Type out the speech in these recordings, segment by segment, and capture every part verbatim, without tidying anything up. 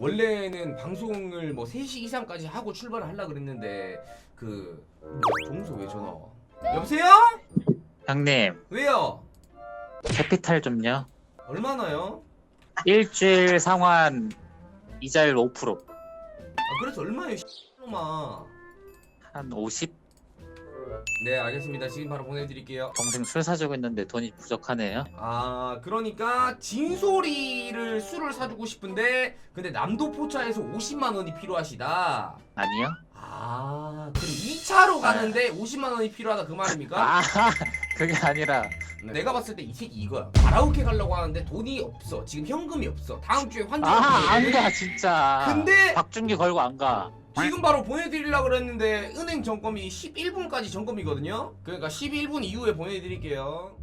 원래는 방송을 뭐 세 시 이상까지 하고 출발을 하려고 그랬는데 그 동서 왜 전화 와? 여보세요? 형님 왜요? 캐피탈 좀요. 얼마나요? 일주일 상환 이자율 오 퍼센트. 아 그래서 얼마예요 씨놈아. 한 오십? 네 알겠습니다. 지금 바로 보내드릴게요. 동생 술 사주고 있는데 돈이 부족하네요. 아 그러니까 진솔이를 술을 사주고 싶은데 근데 남도포차에서 오십만 원이 필요하시다. 아니요? 아 그럼 이 차로 가는데 오십만 원이 필요하다 그 말입니까? 아 그게 아니라 네. 내가 봤을 때 이 새끼 이거야. 가라오케 가려고 하는데 돈이 없어. 지금 현금이 없어. 다음 주에 환전. 아 안 가 진짜. 근데 박준기 걸고 안 가. 지금 바로 보내드리려고 그랬는데 은행 점검이 십일 분까지 점검이거든요. 그러니까 십일 분 이후에 보내드릴게요.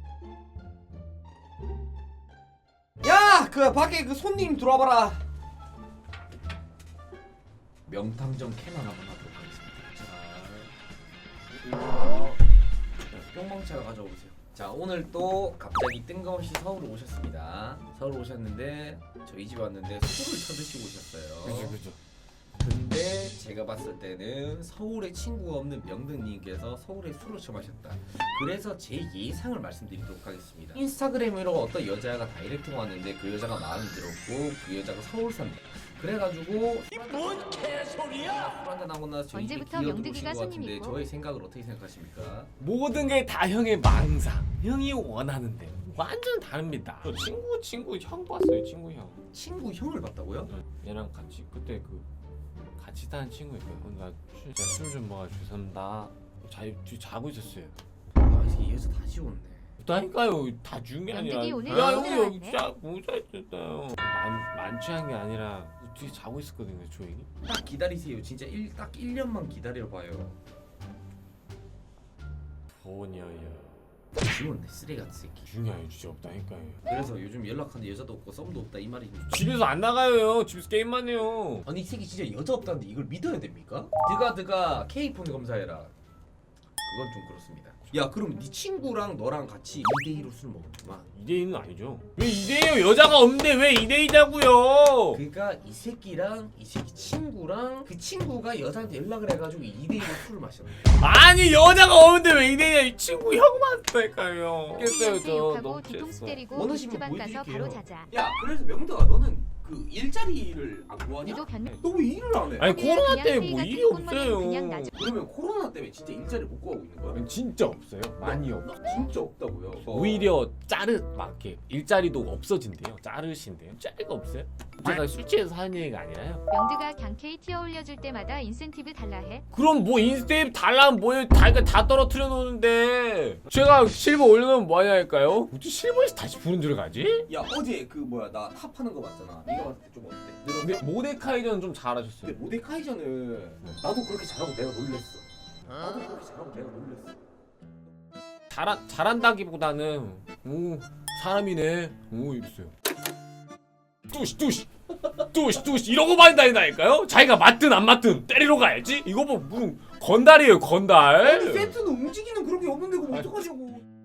야! 그 밖에 그 손님 들어와봐라. 명탐정 캐만 한번 하도록 하겠습니다. 자, 뿅망차를 가져오세요. 자 오늘 또 갑자기 뜬금없이 서울 오셨습니다. 서울 오셨는데 저희 집 왔는데 술을 쳐드시고 오셨어요. 그죠 그죠. 근데 제가 봤을 때는 서울에 친구가 없는 명등님께서 서울에 술을 처마셨다. 그래서 제 예상을 말씀드리도록 하겠습니다. 인스타그램으로 어떤 여자가 다이렉트가 왔는데 그 여자가 마음에 들었고 그 여자가 서울 산다. 그래가지고 뭔 개소리야? 술 한잔 하고 나서 저희 집에 언제부터 기어들어오신 명득이가 것 같은데 손님이고? 저의 생각을 어떻게 생각하십니까? 모든 게 다 형의 망상. 형이 원하는 대로. 완전 다릅니다. 저 친구 친구 형 봤어요. 친구 형. 친구 형을 봤다고요? 얘랑 같이 그때 그 같이 사는 친구 있고요. 나 술 좀 먹어 죄송합니다. 자, 자고 있었어요. 아 이 여자 다 지웠네. 그러니까요. 다 준 게 아니라. 명득이 오늘 야 진짜 형이 여기 많네. 짜 모자 있었어요. 만 만취한 게 아니라 뒤에 자고 있었거든요. 조용히. 딱 기다리세요. 진짜 일, 딱 일 년만 기다려봐요. 보녀요. 지웠네 쓰레기 같은 새끼. 중요해요. 진짜 없다니까요. 그래서 요즘 연락하는데 여자도 없고 썸도 없다 이 말이 좀 집에서 안 나가요. 집에서 게임만 해요. 아니 이 새끼 진짜 여자 없다는데 이걸 믿어야 됩니까? 드가 드가 K폰 검사해라. 그건 좀 그렇습니다. 야 그럼 네 친구랑 너랑 같이 이 대 이로 술 먹었구만. 이 대 이는 아니죠. 왜 이 대 이요? 여자가 없는데 왜 이 대 이냐고요? 그러니까 이 새끼랑 이 새끼 친구랑 그 친구가 여자한테 연락을 해가지고 이 대 이로 술을 마셨네. 아니 여자가 없는데 왜 이 대 이냐? 이 친구 형만 했다니까요. 깼어요 스 저 욕하고 너무 뒤통수 깼어. 때리고 원하시면 노트방 가서 보여드릴게요. 바로 자자. 야 그래서 명덕아 너는 그 일자리를 안 구하냐? 유도 변. 너 왜 일을 안 해? 아니 그냥 코로나 때문에 회의 뭐 같은 일이 꽁무니는 없어요. 그냥 놔줘. 그러면 코로나 때문에 진짜 일자리 못 구하고 있는 거야? 진짜 없어요. 많이 없. 진짜 없다고요. 오히려 자르 막 이렇게 일자리도 없어진대요. 자르신대요. 자리가 없어요. 제가 술 취해서 하는 얘기가 아니라요. 명드가 강케이 티어 올려줄 때마다 인센티브 달라 해. 그럼 뭐 인스타에 달라면 뭐예요? 다, 다 떨어뜨려 놓는데 제가 실버 올려놓으면 뭐하냐니까요? 어떻게 실버에서 다시 부른 줄 가지? 야 어제 그 뭐야 나 탑하는 거 봤잖아. 네가 봤을 때 좀 어때? 늘었어? 근데 모데카이저는 좀 잘하셨어요. 근데 모데카이저는 나도 그렇게 잘하고 내가 놀랬어. 나도 그렇게 잘하고 내가 놀랬어. 잘하, 잘한다기보다는 오 사람이네 오 이랬어요. 뚜시 뚜시 뚜시 뚜시 이러고 많이 다닌다니까요? 자기가 맞든 안 맞든 때리러 가야지. 이거 뭐 무슨 건달이에요 건달. 아니 세트는 움직이는 그런 게 없는데 그럼 아니. 어떡하냐고.